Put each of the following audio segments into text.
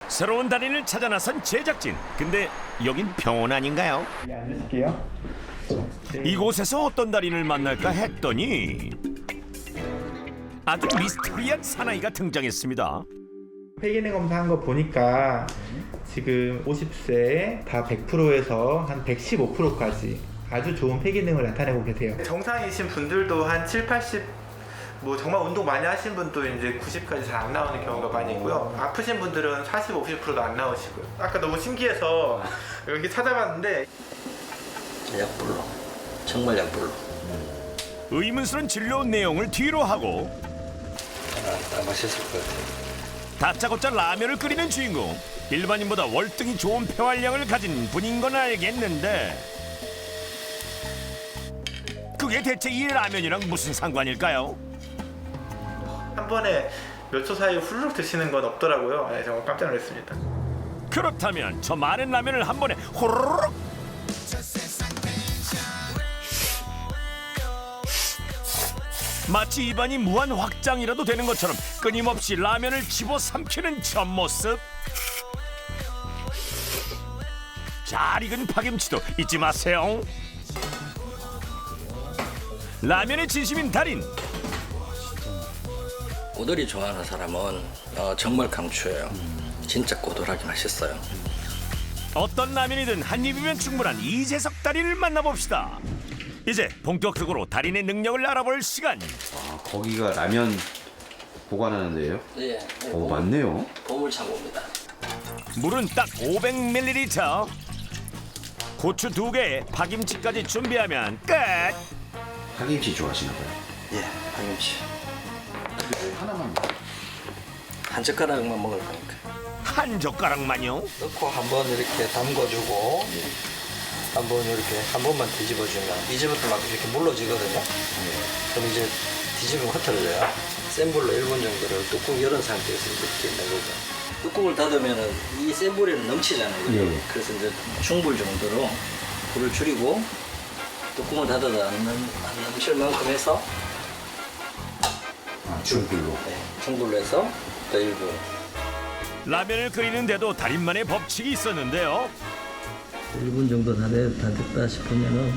새로운 달인을 찾아 나선 제작진. 근데 여긴 병원 아닌가요? 네, 앉으실게요. 이곳에서 어떤 달인을 만날까 했더니 아주 미스터리한 사나이가 등장했습니다. 폐기능 검사한 거 보니까 지금 50세에 다 100%에서 한 115%까지 아주 좋은 폐기능을 나타내고 계세요. 정상이신 분들도 한 7, 80, 뭐 정말 운동 많이 하신 분도 이제 90까지 잘 안 나오는 경우가 많이 있고요. 아프신 분들은 40, 50%도 안 나오시고요. 아까 너무 신기해서 이렇게 찾아봤는데 약불로, 정말 약불로. 의문스러운 진료 내용을 뒤로 하고 아, 맛있을 것 같아요. 다짜고짜 라면을 끓이는 주인공. 일반인보다 월등히 좋은 폐활량을 가진 분인 건 알겠는데 그게 대체 이 라면이랑 무슨 상관일까요? 한 번에 몇 초 사이에 후루룩 드시는 건 없더라고요. 네, 정말 깜짝 놀랐습니다. 그렇다면 저 많은 라면을 한 번에 호로록 마치 입안이 무한 확장이라도 되는 것처럼 끊임없이 라면을 집어삼키는 저 모습. 잘 익은 파김치도 잊지 마세요. 라면의 진심인 달인. 꼬들이 좋아하는 사람은 정말 강추해요. 진짜 꼬들하게 맛있어요. 어떤 라면이든 한 입이면 충분한 이재석 달인을 만나봅시다. 이제 본격적으로 달인의 능력을 알아볼 시간. 아, 거기가 라면 보관하는 데예요? 네, 오, 맞네요. 보물 창고입니다. 물은 딱 500ml. 고추 2개에 파김치까지 준비하면 끝. 파김치 좋아하시나 봐요. 예, 파김치. 하나만. 한 젓가락만 먹을 거니까. 한 젓가락만요? 넣고 한번 이렇게 담궈주고 한번 이렇게 한 번만 뒤집어주면 이제부터 막 이렇게 물러지거든요. 그럼 이제 뒤집으면 흐트러져요. 센 불로 1분 정도를 뚜껑 열은 상태에서 이렇게 내보죠. 뚜껑을 닫으면은 이 센 불에는 넘치잖아요. 그죠? 예. 그래서 이제 중불 정도로 불을 줄이고 뚜껑을 닫아도 안 넘칠 만큼 해서 아, 중불로. 네, 중불로 해서 또 1분. 라면을 끓이는데도 달인만의 법칙이 있었는데요. 1분 정도 다 됐다 싶으면은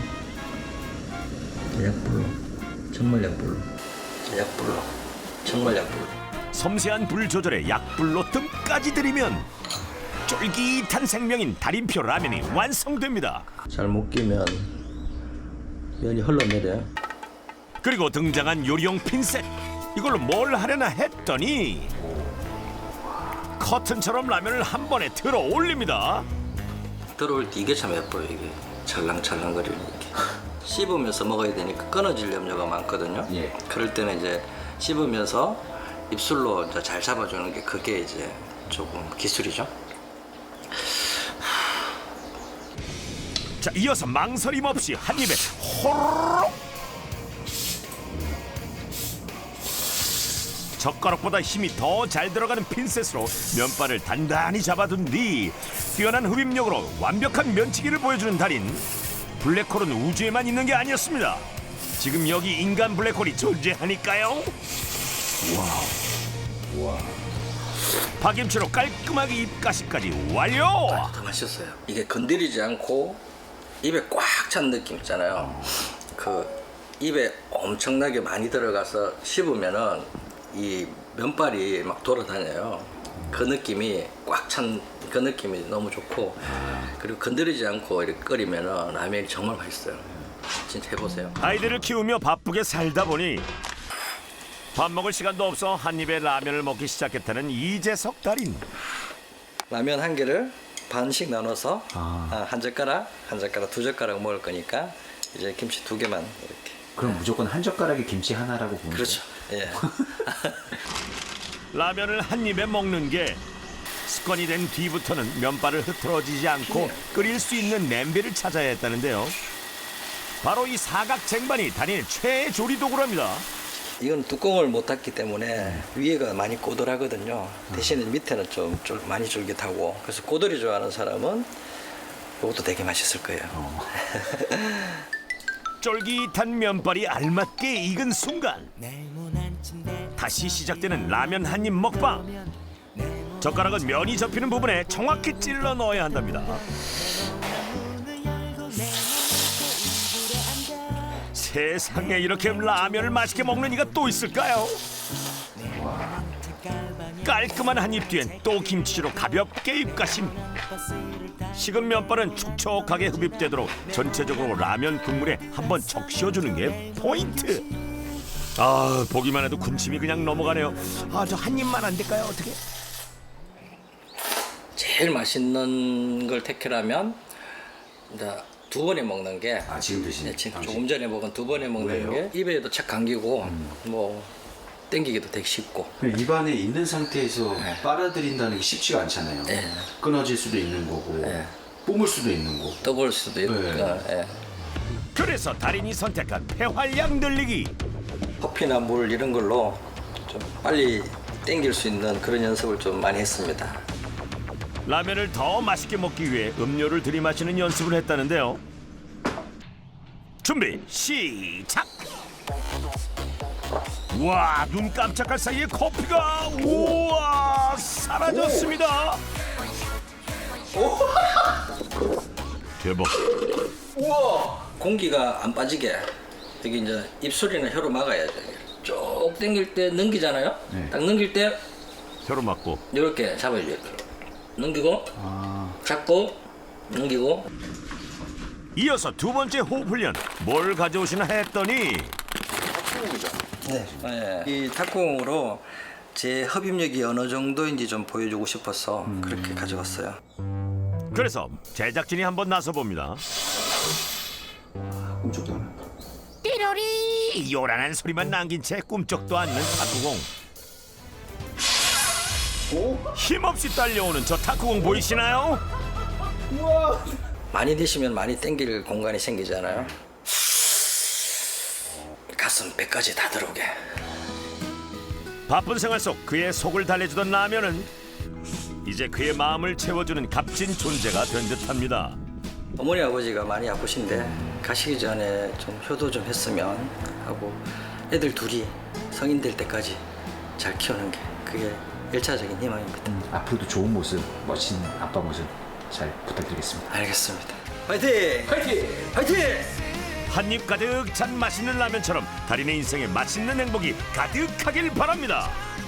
약불로, 정말 약불로, 약불로, 정말 약불로. 섬세한 불 조절에 약불로 뜸까지 들이면 쫄깃한 생명인 달인표 라면이 완성됩니다. 잘 못 끼면 면이 흘러내려요. 그리고 등장한 요리용 핀셋. 이걸로 뭘 하려나 했더니 커튼처럼 라면을 한 번에 들어 올립니다. 들어올 때 이게 참 예뻐요. 이게 찰랑찰랑거리는 이렇게. 씹으면서 먹어야 되니까 끊어질 염려가 많거든요. 예. 그럴 때는 이제 씹으면서 입술로 이제 잘 잡아주는 게 그게 이제 조금 기술이죠. 자, 이어서 망설임 없이 한 입에 호로록. 젓가락보다 힘이 더 잘 들어가는 핀셋으로 면발을 단단히 잡아둔 뒤 뛰어난 흡입력으로 완벽한 면치기를 보여주는 달인. 블랙홀은 우주에만 있는 게 아니었습니다. 지금 여기 인간 블랙홀이 존재하니까요. 와. 파김치로 깔끔하게 입가시까지 완료. 더 맛있어요. 이게 건드리지 않고 입에 꽉 찬 느낌 있잖아요. 그 입에 엄청나게 많이 들어가서 씹으면은 이 면발이 막 돌아다녀요. 그 느낌이 꽉 찬 그 느낌이 너무 좋고, 그리고 건드리지 않고 이렇게 끓이면은 라면이 정말 맛있어요. 진짜 해보세요. 아이들을 키우며 바쁘게 살다 보니 밥 먹을 시간도 없어 한 입에 라면을 먹기 시작했다는 이재석 달인. 라면 한 개를 반씩 나눠서 한 젓가락, 한 젓가락, 두 젓가락 먹을 거니까 이제 김치 2개만 이렇게. 그럼 무조건 한 젓가락에 김치 하나라고 보면 그렇죠. 예. 라면을 한 입에 먹는 게 습관이 된 뒤부터는 면발을 흐트러지지 않고 끓일 수 있는 냄비를 찾아야 했다는데요. 바로 이 사각 쟁반이 달인의 최애 조리 도구랍니다. 이건 뚜껑을 못 닫기 때문에 위에가 많이 꼬들하거든요. 대신에 밑에는 좀 많이 쫄깃하고, 그래서 꼬들이 좋아하는 사람은 이것도 되게 맛있을 거예요. 쫄깃한 면발이 알맞게 익은 순간 다시 시작되는 라면 한 입 먹방. 젓가락은 면이 접히는 부분에 정확히 찔러 넣어야 한답니다. 세상에 이렇게 라면을 맛있게 먹는 이가 또 있을까요? 깔끔한 한 입 뒤엔 또 김치로 가볍게 입가심. 식은 면발은 촉촉하게 흡입되도록 전체적으로 라면 국물에 한번 적셔주는 게 포인트. 아, 보기만 해도 군침이 그냥 넘어가네요. 아, 저 한 입만 안 될까요? 어떻게? 제일 맛있는 걸 택하라면 이제 두 번에 먹는 게 지금 드시는 네, 지금 당신? 조금 전에 먹은 두 번에 먹는 왜요? 게 입에도 착 감기고 뭐 땡기기도 되게 쉽고. 입안에 있는 상태에서 네. 빨아들인다는 게 쉽지가 않잖아요. 네. 끊어질 수도 있는 거고 네. 뿜을 수도 있는 거고. 떠볼 수도 있고. 네. 예. 그래서 달인이 선택한 폐활량 늘리기. 커피나 물 이런 걸로 좀 빨리 땡길 수 있는 그런 연습을 좀 많이 했습니다. 라면을 더 맛있게 먹기 위해 음료를 들이마시는 연습을 했다는데요. 준비 시작. 와, 눈 깜짝할 사이에 커피가 우와 사라졌습니다. 대박. 공기가 안 빠지게 여기 이제 입술이나 혀로 막아야죠. 쭉 당길 때 넘기잖아요. 네. 딱 넘길 때 혀로 맞고. 이렇게 잡아야죠. 이렇게. 넘기고 잡고 넘기고. 이어서 두 번째 호흡 훈련 뭘 가져오시나 했더니 네. 이 탁구공으로 제 흡입력이 어느 정도인지 좀 보여주고 싶어서 그렇게 가져왔어요. 그래서 제작진이 한번 나서 봅니다. 꿈쩍도 안 한다. 띠로리 요란한 소리만 남긴 채 꿈쩍도 않는 탁구공. 힘없이 딸려오는 저 탁구공 보이시나요? 많이 드시면 많이 땡길 공간이 생기잖아요. 가슴 배까지 다 들어오게. 바쁜 생활 속 그의 속을 달래주던 라면은 이제 그의 마음을 채워주는 값진 존재가 된 듯합니다. 어머니 아버지가 많이 아프신데 가시기 전에 좀 효도 좀 했으면 하고 애들 둘이 성인 될 때까지 잘 키우는 게 그게 1차적인 희망입니다. 앞으로도 좋은 모습, 멋진 아빠 모습 잘 부탁드리겠습니다. 알겠습니다. 화이팅! 화이팅! 화이팅! 한 입 가득 찬 맛있는 라면처럼 달인의 인생에 맛있는 행복이 가득하길 바랍니다.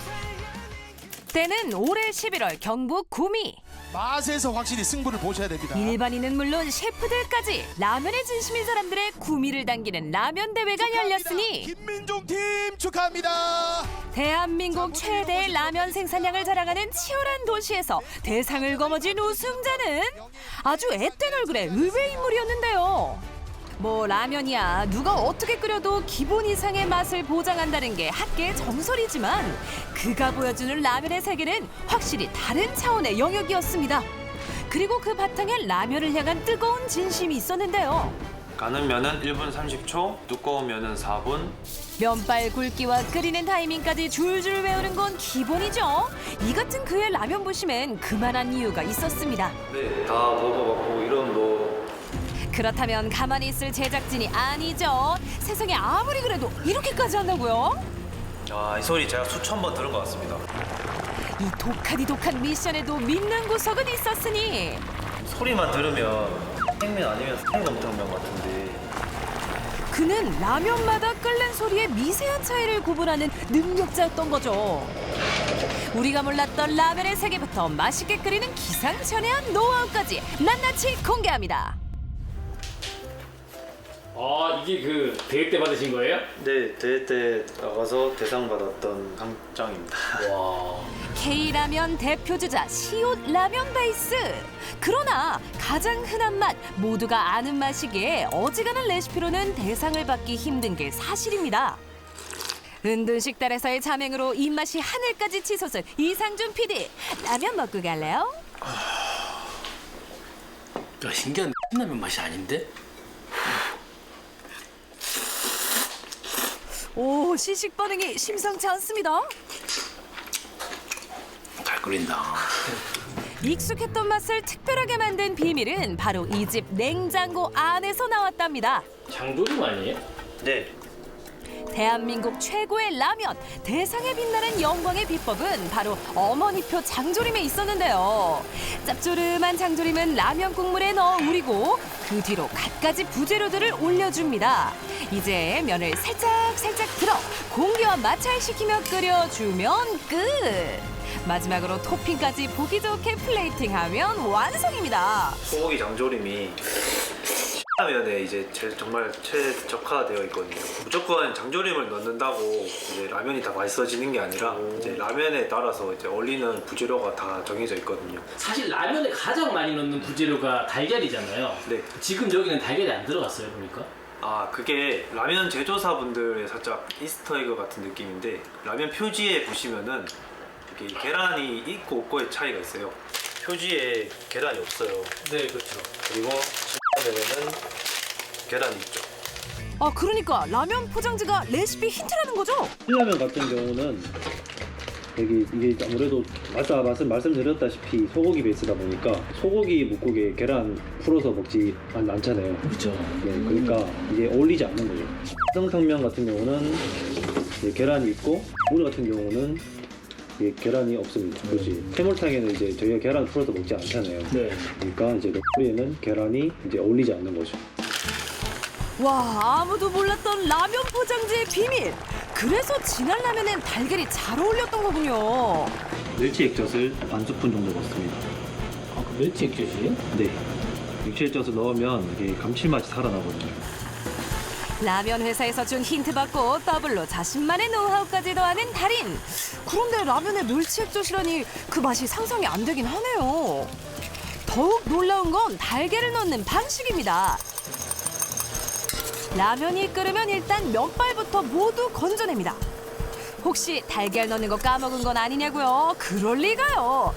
때는 올해 11월 경북 구미. 맛에서 확실히 승부를 보셔야 됩니다. 일반인은 물론 셰프들까지 라면에 진심인 사람들의 구미를 당기는 라면 대회가 열렸으니 김민종 팀 축하합니다. 대한민국 최대의 라면 생산량을 자랑하는 치열한 도시에서 대상을 거머쥔 우승자는 아주 앳된 얼굴의 의외 인물이었는데요. 뭐 라면이야 누가 어떻게 끓여도 기본 이상의 맛을 보장한다는 게 학계의 정설이지만 그가 보여주는 라면의 세계는 확실히 다른 차원의 영역이었습니다. 그리고 그 바탕엔 라면을 향한 뜨거운 진심이 있었는데요. 가는 면은 1분 30초, 두꺼운 면은 4분. 면발 굵기와 끓이는 타이밍까지 줄줄 외우는 건 기본이죠. 이 같은 그의 라면 부심엔 그만한 이유가 있었습니다. 네, 다 먹어봤고 이런 뭐 그렇다면 가만히 있을 제작진이 아니죠. 세상에 아무리 그래도 이렇게까지 한다고요? 이 소리 제가 수천 번 들은 것 같습니다. 이 독한 미션에도 믿는 구석은 있었으니 소리만 들으면 생면 아니면 생검탕면 같은데 그는 라면마다 끓는 소리의 미세한 차이를 구분하는 능력자였던 거죠. 우리가 몰랐던 라면의 세계부터 맛있게 끓이는 기상천외한 노하우까지 낱낱이 공개합니다. 이게 그 대회 때 받으신 거예요? 네, 대회 때 나가서 대상 받았던 상장입니다. 와. K라면 대표주자 시옷 라면 베이스. 그러나 가장 흔한 맛, 모두가 아는 맛이기에 어지간한 레시피로는 대상을 받기 힘든 게 사실입니다. 은둔식달에서의 자맹으로 입맛이 하늘까지 치솟은 이상준 PD. 라면 먹고 갈래요? 신기한 라면 맛이 아닌데? 오, 시식 반응이 심상치 않습니다. 잘 끓인다. 익숙했던 맛을 특별하게 만든 비밀은 바로 이 집 냉장고 안에서 나왔답니다. 장조림 아니에요? 네, 대한민국 최고의 라면, 대상에 빛나는 영광의 비법은 바로 어머니표 장조림에 있었는데요. 짭조름한 장조림은 라면 국물에 넣어 우리고 그 뒤로 갖가지 부재료들을 올려줍니다. 이제 면을 살짝 들어 공기와 마찰시키며 끓여주면 끝! 마지막으로 토핑까지 보기 좋게 플레이팅하면 완성입니다. 소고기 장조림이 라면에 이제 정말 최적화되어 있거든요. 무조건 장조림을 넣는다고 이제 라면이 다 맛있어지는 게 아니라 이제 라면에 따라서 이제 어울리는 부재료가 다 정해져 있거든요. 사실 라면에 가장 많이 넣는 부재료가 달걀이잖아요. 네. 지금 여기는 달걀이 안 들어갔어요, 보니까. 아, 그게 라면 제조사분들의 살짝 이스터에그 같은 느낌인데 라면 표지에 보시면은 이렇게 계란이 있고 없고의 차이가 있어요. 표지에 계란이 없어요. 네, 그렇죠. 그리고 라면에는 계란이 있죠. 아, 그러니까 라면 포장지가 레시피 힌트라는 거죠? 신라면 같은 경우는 이게 아무래도 말씀드렸다시피 소고기 베이스다 보니까 소고기 묵국에 계란 풀어서 먹지 않잖아요. 그렇죠. 네, 그러니까 이게 어울리지 않는 거죠. 성탕면 같은 경우는 이제 계란이 있고 우리 같은 경우는 이게 계란이 없습니다. 그렇지. 해물탕에는 이제 저희가 계란 풀어서 먹지 않잖아요. 네. 그러니까 이제 우리에는 계란이 이제 어울리지 않는 거죠. 와, 아무도 몰랐던 라면 포장지의 비밀. 그래서 진한 라면엔 달걀이 잘 어울렸던 거군요. 멸치 액젓을 반 스푼 정도 넣습니다. 아, 그 멸치 액젓이에요? 네. 멸치 액젓을 넣으면 이게 감칠맛이 살아나거든요. 라면 회사에서 준 힌트 받고 더블로 자신만의 노하우까지 더하는 달인. 그런데 라면에 멸치 액젓이라니 그 맛이 상상이 안 되긴 하네요. 더욱 놀라운 건 달걀을 넣는 방식입니다. 라면이 끓으면 일단 면발부터 모두 건져냅니다. 혹시 달걀 넣는 거 까먹은 건 아니냐고요? 그럴 리가요.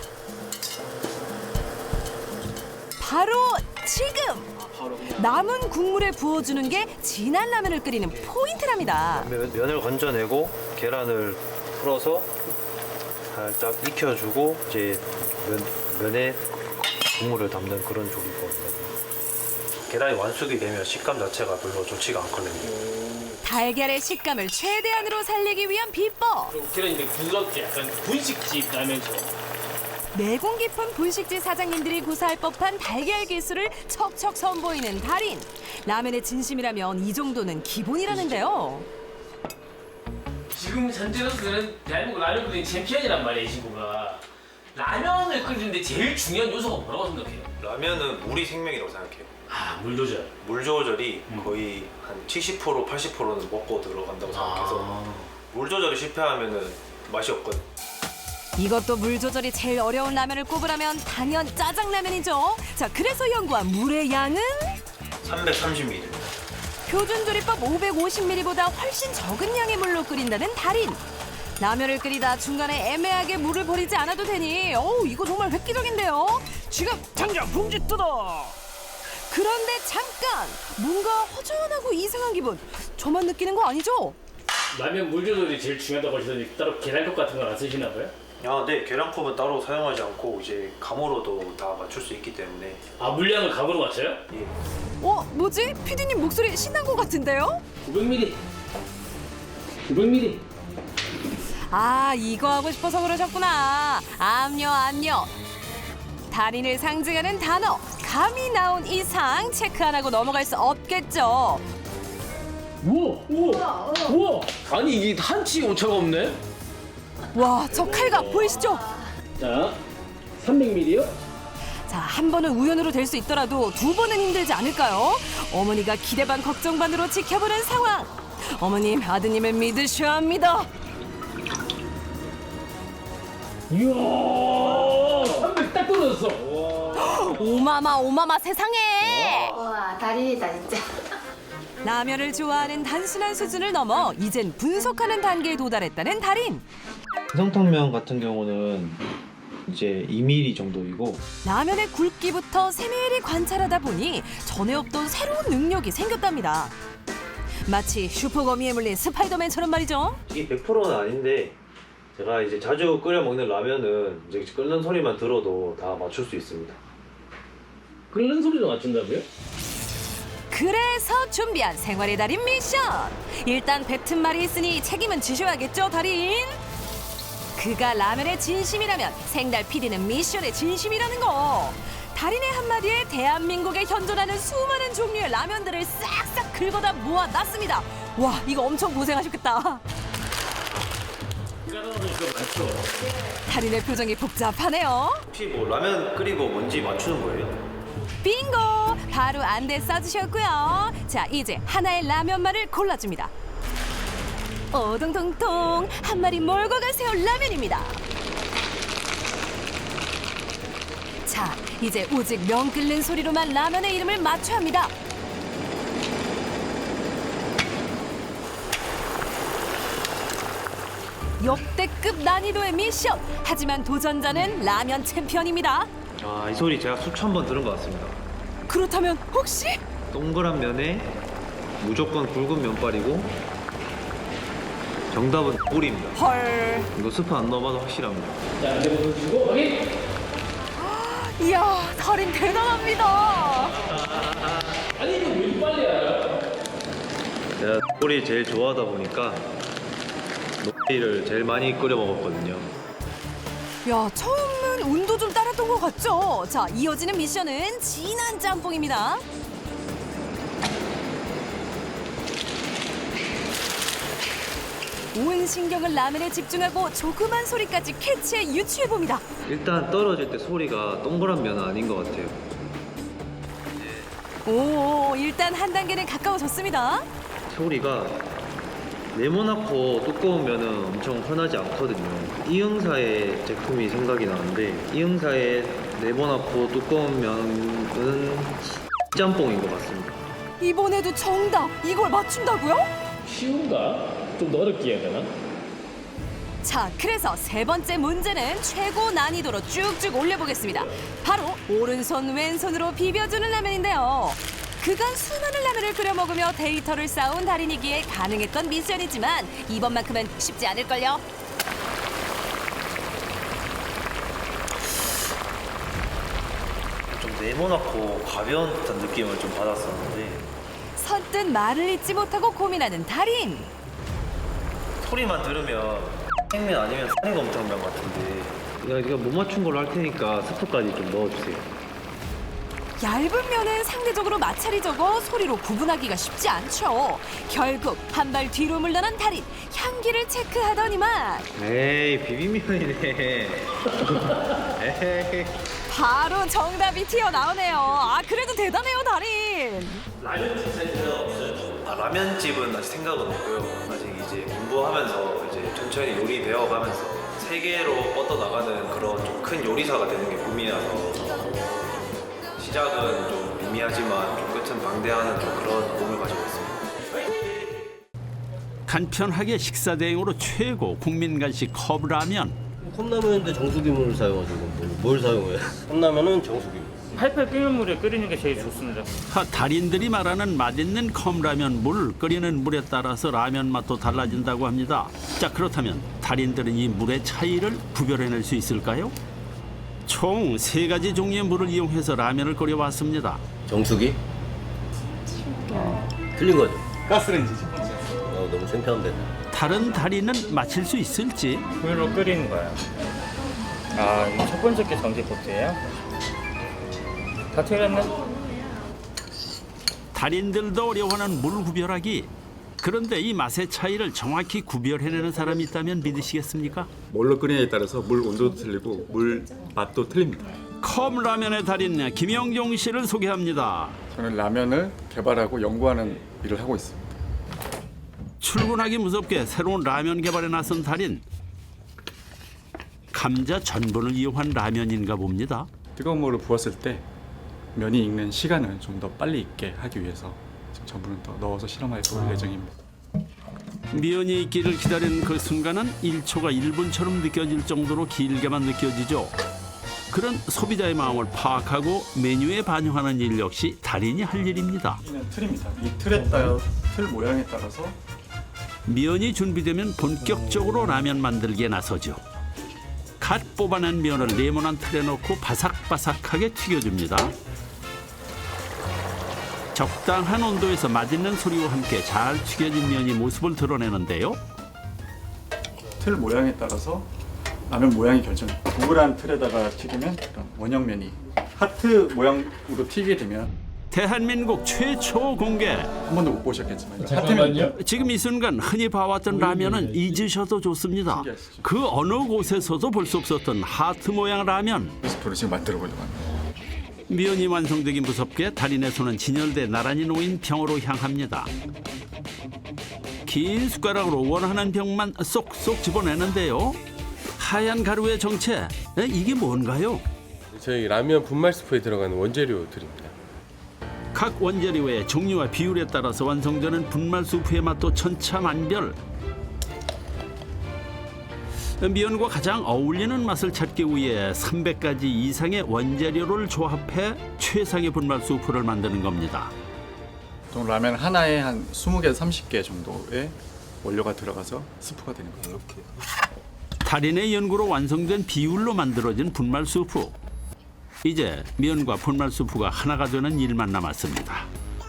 바로 지금! 남은 국물에 부어주는 게 진한 라면을 끓이는 포인트랍니다. 면을 건져내고 계란을 풀어서 살짝 익혀주고 이제 면에 국물을 담는 그런 조리거든요. 계란이 완숙이 되면 식감 자체가 별로 좋지가 않거든요. 달걀의 식감을 최대한으로 살리기 위한 비법. 그리고 계란이 되게 부드럽게 약간 분식집 라면처럼. 내공 깊은 분식집 사장님들이 구사할 법한 달걀 기술을 척척 선보이는 달인. 라면의 진심이라면 이 정도는 기본이라는데요. 지금 현재 선수들은 대한민국 라면 끓이는 챔피언이란 말이에요, 이 친구가. 라면을 끓이는데 제일 중요한 요소가 뭐라고 생각해요? 라면은 물이 생명이라고 생각해요. 아, 물 조절. 물 조절이 거의 한 70% 80%는 먹고 들어간다고 생각해서 물 조절이 실패하면은 맛이 없거든. 이것도 물 조절이 제일 어려운 라면을 꼽으라면 당연 짜장라면이죠. 자, 그래서 연구한 물의 양은 330ml. 표준 조리법 550ml보다 훨씬 적은 양의 물로 끓인다는 달인. 라면을 끓이다 중간에 애매하게 물을 버리지 않아도 되니 이거 정말 획기적인데요. 지금 당장 봉지 뜯어. 그런데 잠깐 뭔가 허전하고 이상한 기분. 저만 느끼는 거 아니죠? 라면 물 조절이 제일 중요하다고 하시더니 따로 계란컵 같은 건 안 쓰시나 봐요? 아, 네. 계란컵은 따로 사용하지 않고 이제 감으로도 다 맞출 수 있기 때문에. 아, 물량을 각으로 맞춰요? 예. 뭐지? 피디님 목소리 신난 것 같은데요? 900ml. 900ml. 아, 이거 하고 싶어서 그러셨구나. 암요. 달인을 상징하는 단어 감이 나온 이상 체크 안 하고 넘어갈 수 없겠죠. 우와! 아니 이게 한치 오차가 없네? 와, 저 칼각 보이시죠? 자, 300ml요? 자, 한 번은 우연으로 될 수 있더라도 두 번은 힘들지 않을까요? 어머니가 기대 반 걱정 반으로 지켜보는 상황. 어머님, 아드님을 믿으셔야 합니다. 이야, 300 딱 떨어졌어. 오마마 세상에. 와, 달인이다 진짜. 라면을 좋아하는 단순한 수준을 넘어 이젠 분석하는 단계에 도달했다는 달인. 성탕면 같은 경우는 이제 2mm 정도이고 라면의 굵기부터 세밀히 관찰하다 보니 전에 없던 새로운 능력이 생겼답니다. 마치 슈퍼거미에 물린 스파이더맨처럼 말이죠. 이게 100%는 아닌데 제가 이제 자주 끓여 먹는 라면은 이제 끓는 소리만 들어도 다 맞출 수 있습니다. 끓는 소리도 맞춘다고요? 그래서 준비한 생활의 달인 미션. 일단 뱉은 말이 있으니 책임은 지셔야겠죠, 달인? 그가 라면의 진심이라면 생달 PD는 미션의 진심이라는 거. 달인의 한마디에 대한민국에 현존하는 수많은 종류의 라면들을 싹싹 긁어다 모아놨습니다. 와, 이거 엄청 고생하셨겠다. 달인의 표정이 복잡하네요. 혹시 뭐 라면 끓이고 뭔지 맞추는 거예요? 빙고! 바로 안대 써주셨고요. 자, 이제 하나의 라면말을 골라줍니다. 오동통통 한 마리 몰고 가세요 라면입니다. 자, 이제 오직 명 끓는 소리로만 라면의 이름을 맞춰야 합니다. 역대급 난이도의 미션. 하지만 도전자는 라면 챔피언입니다. 이 소리 제가 수천 번 들은 것 같습니다. 그렇다면 혹시? 동그란 면에 무조건 굵은 면발이고 정답은 꿀입니다. 헐. 이거 스프 안 넣어봐도 확실합니다. 자, 이제 보여주시고 확인. 이야, 달인 대단합니다. 아니 이거 왜 이렇게 빨리 알아요? 제가 꿀이 제일 좋아하다 보니까 녹이를 제일 많이 끓여 먹었거든요. 야, 처음은 운도 좀 따랐던 것 같죠? 자, 이어지는 미션은 진한 짬뽕입니다. 온 신경을 라면에 집중하고 조그만 소리까지 캐치해 유추해봅니다. 일단 떨어질 때 소리가 동그란 면은 아닌 것 같아요. 오, 일단 한 단계는 가까워졌습니다. 소리가 네모나고 두꺼운 면은 엄청 흔하지 않거든요. 이응사의 제품이 생각이 나는데 이응사의 네모나고 두꺼운 면은 짬뽕인 것 같습니다. 이번에도 정답! 이걸 맞춘다고요? 쉬운가? 좀 더 어렵게 해야 되나? 자, 그래서 세 번째 문제는 최고 난이도로 쭉쭉 올려보겠습니다. 바로 오른손 왼손으로 비벼주는 라면인데요. 그간 수많은 라면을 끓여 먹으며 데이터를 쌓은 달인이기에 가능했던 미션이지만 이번만큼은 쉽지 않을걸요. 좀 네모나고 가벼운 듯한 느낌을 좀 받았었는데 선뜻 말을 잇지 못하고 고민하는 달인. 소리만 들으면 생면 아니면 쌀곰탕면 같은데 제가 못 맞춘 걸로 할 테니까 스프까지 좀 넣어주세요. 얇은 면은 상대적으로 마찰이 적어 소리로 구분하기가 쉽지 않죠. 결국 한 발 뒤로 물러난 달인. 향기를 체크하더니만 에이 비빔면이네. 에이. 바로 정답이 튀어나오네요. 아, 그래도 대단해요, 달인. 라면 생산이 없어요? 라면집은 아직 생각은 없고요. 아직 이제 공부하면서 이제 천천히 요리 배워가면서 세계로 뻗어나가는 그런 좀 큰 요리사가 되는 게 꿈이라서 시작은 좀 미미하지만 좀 끝은 방대하는 좀 그런 꿈을 가지고 있습니다. 간편하게 식사 대용으로 최고 국민 간식 컵라면. 컵라면인데 정수기물을 사용하시고 뭘 사용해요? 컵라면은 정수기물. 팔팔 끓는 물에 끓이는 게 제일 좋습니다. 달인들이 말하는 맛있는 컵라면 물 끓이는 물에 따라서 라면 맛도 달라진다고 합니다. 자, 그렇다면 달인들은 이 물의 차이를 구별해낼 수 있을까요? 총 3가지 종류의 물을 이용해서 라면을 끓여왔습니다. 정수기? 틀린 거죠? 가스레인지죠. 너무 창피한데. 다른 달인은 맞힐 수 있을지. 물로 끓이는 거예요. 아, 이거 첫 번째 게 전기포트예요? 다 틀렸네? 달인들도 어려워하는 물 구별하기. 그런데 이 맛의 차이를 정확히 구별해내는 사람이 있다면 믿으시겠습니까? 뭘로 끓이냐에 따라서 물 온도도 틀리고 물 맛도 틀립니다. 컵라면의 달인 김영종 씨를 소개합니다. 저는 라면을 개발하고 연구하는 일을 하고 있습니다. 출근하기 무섭게 새로운 라면 개발에 나선 달인. 감자 전분을 이용한 라면인가 봅니다. 뜨거운 물을 부었을 때 면이 익는 시간을 좀 더 빨리 익게 하기 위해서 지금 전분을 더 넣어서 실험해 볼 예정입니다. 면이 익기를 기다리는 그 순간은 1초가 1분처럼 느껴질 정도로 길게만 느껴지죠. 그런 소비자의 마음을 파악하고 메뉴에 반영하는 일 역시 달인이 할 일입니다. 이는 틀입니다. 이 틀에 따라 틀 모양에 따라서 면이 준비되면 본격적으로 라면 만들기에 나서죠. 갓 뽑아낸 면을 네모난 틀에 넣고 바삭바삭하게 튀겨줍니다. 적당한 온도에서 맛있는 소리와 함께 잘 튀겨진 면이 모습을 드러내는데요. 틀 모양에 따라서 라면 모양이 결정. 동그란 틀에다가 튀기면 그런 원형면이 하트 모양으로 튀게 되면 대한민국 최초 공개. 한 번도 못 보셨겠지만 잠깐만요. 지금 이 순간 흔히 봐왔던 라면은 잊으셔도 좋습니다. 그 어느 곳에서도 볼 수 없었던 하트 모양 라면. 레시피로 지금 만들어 보려고 합니다. 면이 완성되긴 무섭게 달인의 손은 진열돼 나란히 놓인 병으로 향합니다. 긴 숟가락으로 원하는 병만 쏙쏙 집어내는데요. 하얀 가루의 정체, 이게 뭔가요? 저희 라면 분말 스프에 들어가는 원재료들입니다. 각 원재료의 종류와 비율에 따라서 완성되는 분말 수프의 맛도 천차만별. 면과 가장 어울리는 맛을 찾기 위해 300가지 이상의 원재료를 조합해 최상의 분말 수프를 만드는 겁니다. 보통 라면 하나에 한 20개에서 30개 정도의 원료가 들어가서 스프가 되는 거예요. 이렇게. 달인의 연구로 완성된 비율로 만들어진 분말 수프. 이제 면과 분말 수프가 하나가 되는 일만 남았습니다.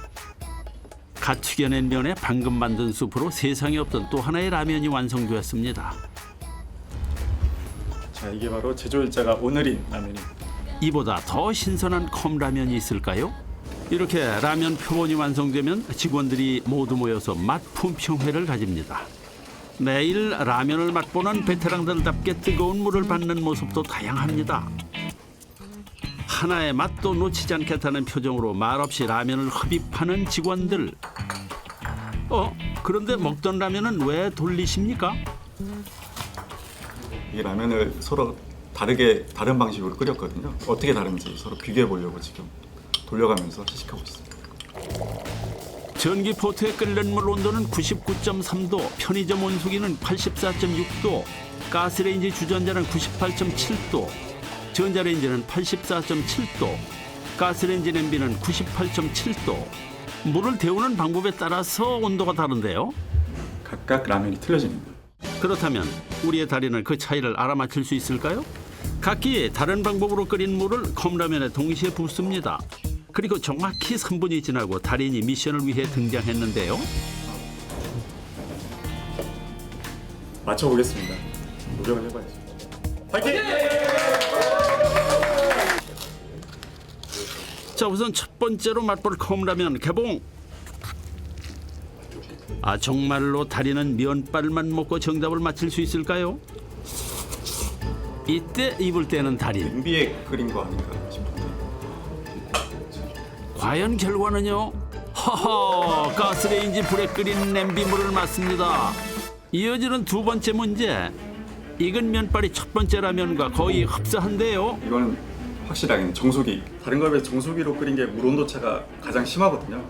갓 튀겨낸 면에 방금 만든 수프로 세상에 없던 또 하나의 라면이 완성되었습니다. 자, 이게 바로 제조일자가 오늘인 라면입니다. 이보다 더 신선한 컵라면이 있을까요? 이렇게 라면 표본이 완성되면 직원들이 모두 모여서 맛 품평회를 가집니다. 매일 라면을 맛보는 베테랑들답게 뜨거운 물을 받는 모습도 다양합니다. 하나의 맛도 놓치지 않겠다는 표정으로 말없이 라면을 흡입하는 직원들. 그런데 먹던 라면은 왜 돌리십니까? 이 라면을 서로 다른 방식으로 끓였거든요. 어떻게 다른지 서로 비교해 보려고 지금 돌려가면서 시식하고 있습니다. 전기포트에 끓는 물 온도는 99.3도, 편의점 온수기는 84.6도, 가스레인지 주전자는 98.7도, 전자레인지는 84.7도, 가스레인지 냄비는 98.7도. 물을 데우는 방법에 따라서 온도가 다른데요. 각각 라면이 틀려집니다. 그렇다면 우리의 달인은 그 차이를 알아맞힐 수 있을까요? 각기 다른 방법으로 끓인 물을 컵라면에 동시에 붓습니다. 그리고 정확히 3분이 지나고 달인이 미션을 위해 등장했는데요. 맞춰보겠습니다. 노력을 해봐야죠. 파이팅! 자, 우선 첫 번째로 맛볼 컵라면 개봉. 정말로 달인은 면발만 먹고 정답을 맞힐 수 있을까요? 이때 입을 떼는 달인. 냄비에 끓인 거 아닌가 싶은데. 과연 결과는요? 허허, 가스레인지 불에 끓인 냄비물을 맞습니다. 이어지는 두 번째 문제. 익은 면발이 첫 번째 라면과 거의 흡사한데요. 이거는 확실하게 정수기. 다른 거에 비해 정수기로 끓인 게 물 온도 차가 가장 심하거든요.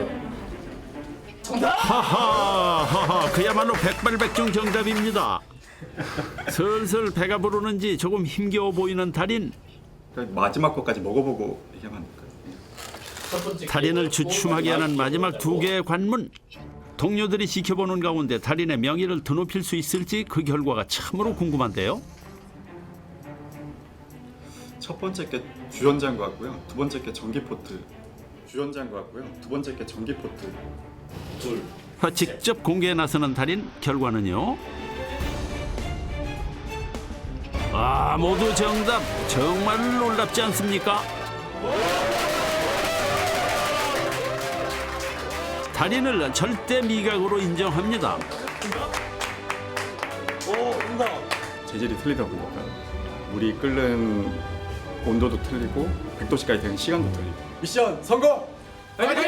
하하, 그야말로 백발백중 정답입니다. 슬슬 배가 부르는지 조금 힘겨워 보이는 달인. 마지막 것까지 먹어보고 얘기하면 안 될까요? 달인을 주춤하게 하는 마지막 두 개의 관문. 동료들이 지켜보는 가운데 달인의 명예를 드높일 수 있을지 그 결과가 참으로 궁금한데요. 첫 번째 게 주전자인 것 같고요. 두 번째 게 전기포트. 주전자인 것 같고요. 두 번째 게 전기포트. 직접 공개에 나서는 달인. 결과는요? 모두 정답. 정말 놀랍지 않습니까? 달인을 절대 미각으로 인정합니다. 재질이 틀리다 보니까 물이 끓는 온도도 틀리고 100도씨까지 되는 시간도 틀리고. 미션 성공! 파이팅!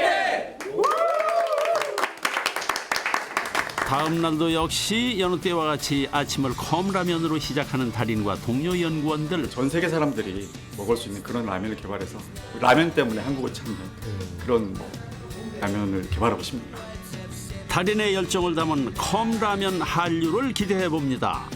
다음 날도 역시 여느 때와 같이 아침을 컵라면으로 시작하는 달인과 동료 연구원들. 전 세계 사람들이 먹을 수 있는 그런 라면을 개발해서 라면 때문에 한국을 찾는 그런 라면을 개발하고 싶습니다. 달인의 열정을 담은 컵라면 한류를 기대해 봅니다.